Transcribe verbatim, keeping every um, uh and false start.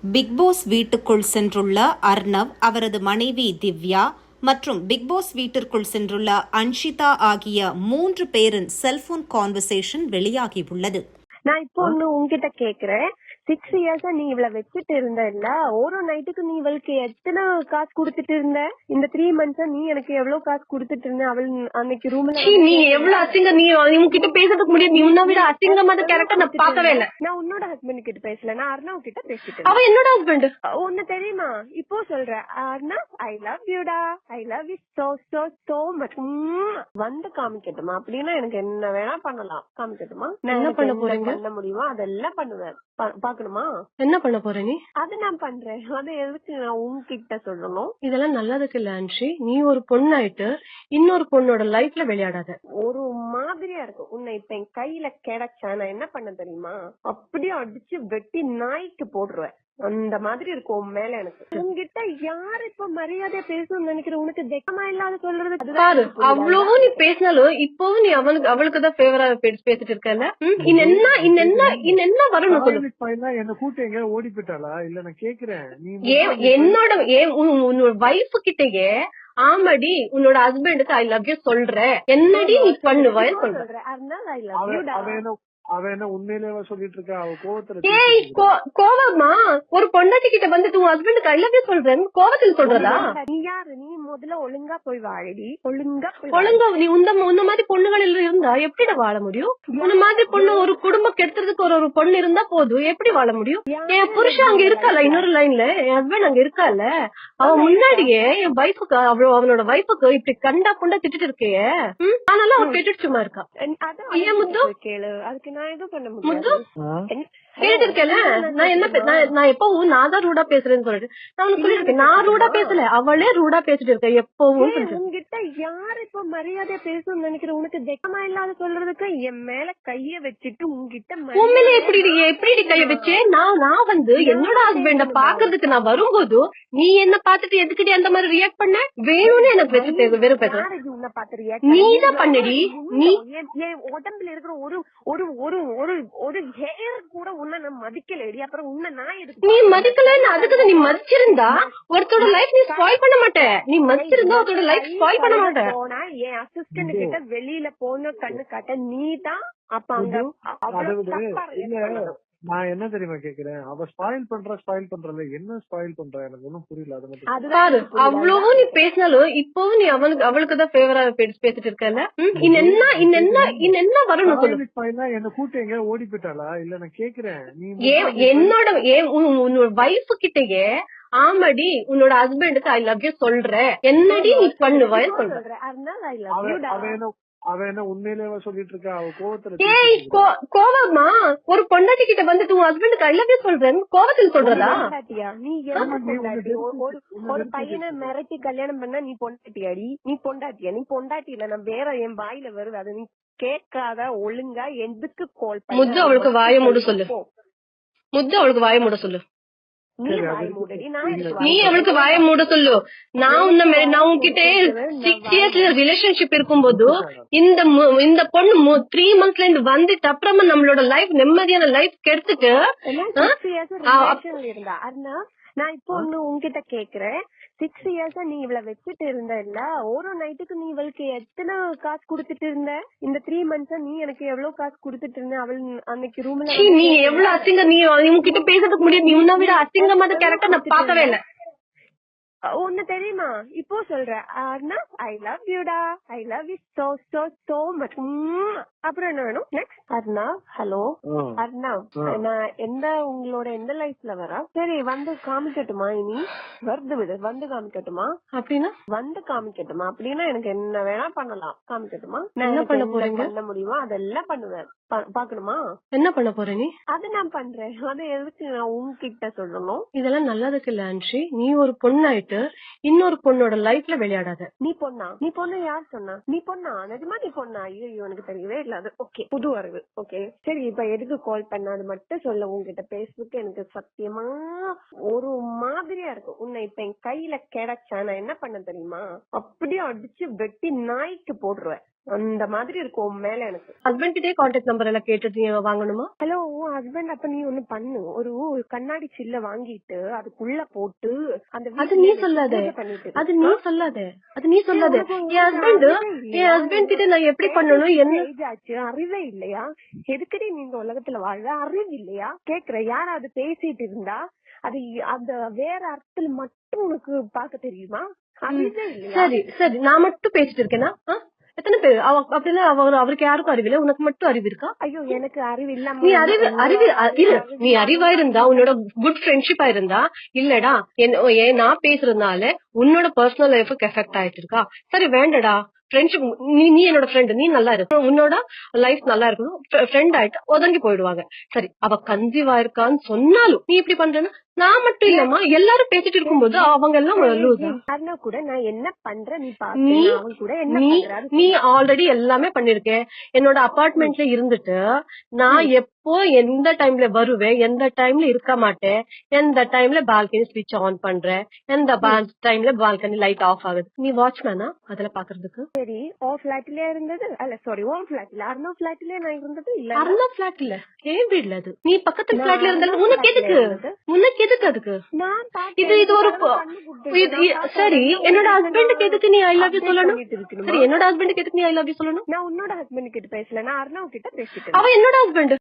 Big pass வீட்டுக்குள் சென்றுள்ள அர்ணவ், அவரது மனைவி திவ்யா மற்றும் பிக் பாஸ் வீட்டிற்குள் சென்றுள்ள அன்ஷிதா ஆகிய மூன்று பேரின் செல்போன் கான்வர்சேஷன் வெளியாகியுள்ளது. நான் இப்போ ஒண்ணு உன்கிட்ட கேக்குறேன். சிக்ஸ் இயர்ஸா நீ இவள வச்சுட்டு இருந்த இல்ல, ஒரு நைட்டுக்கு நீ இவளுக்கு எத்தனை காசு குடுத்துட்டு இருந்த? இந்த த்ரீ மந்த்ஸா நீ எனக்கு எவ்வளவு காசு குடுத்துட்டு இருந்த? அவள் அன்னைக்கு ரூம்ல நீ எவ்வளவு அசிங்க, நீ உன்கிட்ட பேசுறதுக்கு முடியாது. நீ உன்ன விட அசிங்கமான கேரக்டர் நான் பார்க்கவே இல்ல. நான் உன்னோட ஹஸ்பண்ட் கிட்ட பேசல, நான் அர்ணவ் கிட்ட பேசிட்டு. அவ என்னோட ஹஸ்பண்ட். ஒன்னு தெரியுமா? இப்போ சொல்ற அர்ணவ், ஐ லவ் யூடா, I love you so so so much. வந்து காமிக்கட்டுமா? அப்படின்னா எனக்கு என்ன வேணா பண்ணலாம். காமிக்கட்டுமா? என்ன பண்ண போறீங்க? பண்ண முடியுமா? அதெல்லாம் பண்ணுவேன். பாக்கணுமா? என்ன பண்ண போற நீ? அது நான் பண்றேன். அது எதுக்கு நான் உன்கிட்ட சொல்லணும்? இதெல்லாம் நல்லதுக்கு இல்ல அன்ஷி. நீ ஒரு பொண்ணாயிட்டு இன்னொரு பொண்ணோட லைஃப்ல விளையாடாத. ஒரு மாதிரியா இருக்கு. உன்னை இப்ப என் கையில கிடைச்சா நான் என்ன பண்ண தெரியுமா? அப்படியே அடிச்சு வெட்டி நாய்க்கு போடுருவேன். அந்த மாதிரி இருக்கும் உன் மேல. எனக்கு உங்ககிட்ட யாரு இப்ப மரியாதையா பேசணும்னு நினைக்கிற? உனக்கு வெக்கமா இல்லாத சொல்றது பாரு. அவ்வளவும் நீ பேசினாலும் இப்பவும் நீ அவனுக்கு அவளுக்குதான் ஃபேவரா பேசிட்டு இருக்கல. இன்னென்ன இன்னென்ன இன்னென்ன வரணும் சொல்லு. என்ன கூட்டு எங்க ஓடி போயிட்டாளா? இல்ல நான் கேக்குறேன். என்னோட உன்னோட வைஃப் கிட்டயே ஆமாடி உன்னோட ஹஸ்பண்டுக்கு ஐ லவ் யூ சொல்ற, என்னடி நீ பண்ணுவ சொல்ற. அவ என்ன உண்மையிலேயே சொல்லிட்டு இருக்கா? அவ கோவத்துல. ஏய் கோவமா? ஒரு பொண்டாட்டி கிட்ட வந்துட்டு உன் ஹஸ்பண்டுக்கு ஐ லவ் யூ சொல்றேன் கோவத்துல சொல்றதா? நீ யாரு? நீ முதல்ல ஒழுங்கா போய் வாழடி. ஒழுங்கா ஒழுங்கா நீ உந்த உன்ன மாதிரி பொண்ணுகள் இருந்தா எப்படி வாழ முடியும்? உன்ன மாதிரி பொண்ணு ஒரு குடும்பம் கெடுத்துறதுக்கு ஒரு ஒரு பொண்ணு இருந்தா போதும், எப்படி வாழ முடியும்? என் புருஷன் அங்க இருக்கால, இன்னொரு லைன்ல என் ஹஸ்பண்ட் அங்க இருக்கால. அவன் முன்னாடியே என் வைஃபுக்கு அவ்வளவு அவனோட வைஃபுக்கு இப்படி கண்டா கொண்டா திட்டு இருக்கே. ஆனாலும் அவன் கேட்டுட்டு சும்மா இருக்கா. ஏன் முத்து கேளு. அதுக்கு நான் எதுவும் பண்ண முத்து முடியாது. கேட்டு இருக்கேன். நான் என்ன நான் எப்பவும் நான் தான் ரூடா பேசுறேன்னு சொல்லிட்டு நான் உனக்கு சொல்லிருக்கேன். நான் ரூடா பேசல, அவளே ரூடா பேசிட்டு இருக்கேன் எப்பவும். உங்ககிட்ட யாரு இப்ப மரியாதையா பேசணும்னு நினைக்கிற? உனக்கு வெக்கமா இல்லாத சொல்றதுக்கு என் மேல கைய வச்சுட்டு உங்ககிட்ட உண்மையில எப்படி எப்படி கைய வச்சு நான் நான் வந்து என்னோட ஹஸ்பண்ட பாக்குறதுக்கு நான் வரும்போது நீ என்ன பாத்துட்டு எதுக்கிட்டே அந்த மாதிரி ரியாக்ட் பண்ண? வேணும்னு எனக்கு வச்சு வெறும் பேச நீதான் பண்ணடி. நீ என் உடம்புல இருக்கிற ஒரு ஒரு ஒரு ஒரு ஒரு ஹேர் கூட உன்ன நான் மதிக்கலடி. அப்புறம் உன்ன நான் எதுக்கு? நீ மதிக்கலன்னு அதுக்கு நீ மதிச்சிருந்தா ஒருத்தோட லைஃப் நீ ஸ்பாயில் பண்ண மாட்ட. நீ மதிச்சிருந்தா ஒருத்தோட லைஃப் ஸ்பாயில் பண்ண மாட்ட. போனா என் அசிஸ்டன்ட் கிட்ட வெளியில போன கண்ணு காட்ட நீ தான். அப்ப அங்க நான் என்ன தெரியுமா கேக்குறேன்? அவ ஸ்பாயில் பண்ற ஸ்பாயில் பண்றல என்ன ஸ்பாயில் பண்ற? எனக்கு ஒன்னும் புரியல. அது மட்டும் பாரு. அவ்வளவும் நீ பேசினாலும் இப்பவும் நீ அவனுக்கு அவளுக்குதான் ஃபேவரா பேசிட்டு இருக்கல. இன்னென்ன இன்னென்ன இன்னென்ன வரணும் சொல்லு. என்ன கூட்டு எங்க ஓடி போயிட்டாளா? இல்ல நான் கேக்குறேன். என்னோட உன்னோட வைஃப் கிட்டயே ஆமாடி உன்னோட ஹஸ்பண்டுக்கு ஐ லவ் யூ சொல்ற, என்னடி நீ பண்ணுவ சொல்ற. அவ என்ன உண்மையிலேயே சொல்லிட்டு இருக்கா? அவ கோவத்துல. ஏய் கோவமா? ஒரு பொண்டாட்டி கிட்ட வந்துட்டு உன் ஹஸ்பண்டுக்கு ஐ லவ் யூ சொல்றேன் கோவத்துல சொல்றதா? நீ ஒரு பையனை மிரட்டி கல்யாணம் பண்ணா நீ பொண்டாட்டியாடி? நீ பொண்டாட்டியா? நீ பொண்டாட்டி இல்ல. நான் வேற என் வாயில வருது. அது நீ கேட்காத. ஒழுங்கா எதுக்கு கால் பண்ண? முத்து அவளுக்கு வாய மூட சொல்லு. முத்து அவளுக்கு வாய மூட சொல்லு. நீ அவளுக்கு வாய மூட சொல்லு. நான் உன்ன நான் உன்கிட்ட சிக்ஸ் இயர்ஸ் ரிலேஷன்ஷிப் இருக்கும்போது இந்த இந்த பொண்ணு த்ரீ மந்த்ஸ்ல இருந்து வந்துட்டு அப்புறமா நம்மளோட லைஃப் நிம்மதியான லைஃப் கெடுத்துட்டு இருந்தா. நான் இப்போ ஒண்ணு உன்கிட்ட கேக்குறேன். சிக்ஸ் இயர்ஸா நீ இவள வச்சுட்டு இருந்த இல்ல, ஒரு நைட்டுக்கு நீ இவளுக்கு எத்தனை காசு குடுத்துட்டு இருந்த? இந்த த்ரீ மந்த்ஸா நீ எனக்கு எவ்வளவு காசு குடுத்துட்டு இருந்த? அவள் அன்னைக்கு ரூம்ல நீ எவ்வளவு அசிங்க, நீ உன்கிட்ட பேசுறதுக்கு முடியாது. நீ உன்ன விட அசிங்கமான கேரக்டர் நான் பார்க்கவே இல்ல. ஒன்னு தெரியுமா? இப்போ சொல்ற அர்ணவ், ஐ லவ் யூடா, I love you so so so much. அப்புறம் என்ன வேணும் நெக்ஸ்ட்? அர்ணவ், ஹலோ அர்ணவ், நான் எந்த உங்களோட எந்த லைஃப்ல வரா? சரி வந்து காமிக்கட்டுமா? இனி வருது விடு. வந்து காமிக்கட்டுமா? அப்படின்னா வந்து காமிக்கட்டுமா? அப்படின்னா எனக்கு என்ன வேணா பண்ணலாம். காமிக்கட்டுமா? என்ன பண்ண போறீங்க? பண்ண முடியுமா? அதெல்லாம் பண்ணுவேன். பாக்கணுமா? என்ன பண்ண போற நீ? அது நான் பண்றேன். அது எதுக்கு நான் உன்கிட்ட சொல்லணும்? இதெல்லாம் நல்லதுக்கு இல்ல அன்ஷி. நீ ஒரு பொண்ணாயிட்டு இன்னொரு பொண்ணோட லைஃப்ல விளையாடாத. நீ பொண்ணா? நீ பொண்ணு யார் சொன்னா? நீ பொண்ணா? நிஜமா நீ பொண்ணா? ஐயோ எனக்கு தெரியவே இல்ல. அது ஓகே, புது அறிவு. ஓகே சரி, இப்ப எதுக்கு கால் பண்ண? அது மட்டும் சொல்ல. உங்ககிட்ட பேசுறதுக்கு எனக்கு சத்தியமா ஒரு மாதிரியா இருக்கு. உன்னை இப்ப என் கையில கிடைச்சா நான் என்ன பண்ண தெரியுமா? அப்படியே அடிச்சு வெட்டி நாய்க்கு போடுருவேன். அந்த மாதிரி இருக்கும் உன் மேல எனக்கு. ஹஸ்பண்ட் கிட்டே கான்டாக்ட் நம்பர் எல்லாம் கேட்டுட்டு நீ வாங்கணுமா? ஹலோ உன் ஹஸ்பண்ட் அப்ப நீ ஒண்ணு பண்ணு, ஒரு கண்ணாடி சில்ல வாங்கிட்டு அதுக்குள்ள போட்டு அந்த அது நீ சொல்லாத, அது நீ சொல்லாத, அது நீ சொல்லாத. என் ஹஸ்பண்ட் என் ஹஸ்பண்ட் கிட்ட நான் எப்படி பண்ணணும் என்ன ஆச்சு? அறிவே இல்லையா? எதுக்கடி நீ இந்த உலகத்துல வாழ்ற? அறிவு இல்லையா? கேக்குற யாராவது பேசிட்டு இருந்தா அது அந்த வேற அர்த்தத்துல மட்டும் உனக்கு பாக்க தெரியுமா? அறிவே இல்லையா? சரி சரி, நான் மட்டும் பேசிட்டு இருக்கேனா? எத்தனை பேர் அப்படின்னா அவர் அவருக்கு யாருக்கும் அறிவில்லை, உனக்கு மட்டும் அறிவு இருக்கா? ஐயோ எனக்கு அறிவு இல்லாம நீ அறிவு அறிவு இல்ல, நீ அறிவா இருந்தா உன்னோட குட் ஃப்ரெண்ட்ஷிப்பா இருந்தா இல்லடா ஏன் நான் பேசுறதுனால உன்னோட பர்சனல் லைஃபுக்கு எஃபெக்ட் ஆயிட்டு இருக்கா? சரி வேண்டடா ஃப்ரெண்ட்ஷிப், நீ நீ என்னோட ஃப்ரெண்ட், நீ நல்லா இருக்கு, உன்னோட லைஃப் நல்லா இருக்கணும், ஃப்ரெண்ட் ஆயிட்டு ஒதுங்கி போயிடுவாங்க. சரி அவ கன்சீவ் ஆயிருக்கான்னு சொன்னாலும் நீ இப்படி பண்றேன்னா நான் மட்டும் இல்லம்மா எல்லாரும் பேசிட்டு இருக்கும்போது அவங்க எல்லாம் அண்ணா கூட நான் என்ன பண்றேன் நீ நீ கூட நீ நீ ஆல்ரெடி எல்லாமே பண்ணிருக்க. என்னோட அபார்ட்மெண்ட்ல இருந்துட்டு நான் எப்போ எந்த டைம்ல வருவேன், எந்த டைம்ல இருக்க மாட்டேன், எந்த டைம்ல பால்கனி ஸ்விட்ச் ஆன் பண்றேன், எந்த டைம்ல பால்கனி லைட் ஆஃப் ஆகுது. நீ வாட்ச்மேனா அதுல பாக்குறதுக்கு? சரி ஓ பிளாட்ல இருந்தது அல்ல சாரி ஓ பிளாட்ல அர்ணா பிளாட்ல நான் இருந்தது இல்ல. அர்ணா பிளாட் இல்ல, ஏன் வீட்ல அது. நீ பக்கத்து பிளாட்ல இருந்தாலும் உனக்கு எதுக்கு உனக்கு எதுக்கு அதுக்கு? இது இது ஒரு சரி என்னோட ஹஸ்பண்டுக்கு எதுக்கு நீ ஐ லவ் யூ சொல்லணும்? சரி என்னோட ஹஸ்பண்டுக்கு எதுக்கு நீ ஐ லவ் யூ சொல்லணும்? நான் உன்னோட ஹஸ்பண்ட் கிட்ட பேசல, நான் அர்ணா கிட்ட பேசிட்டேன். அவ என்னோட ஹஸ்பண்ட்.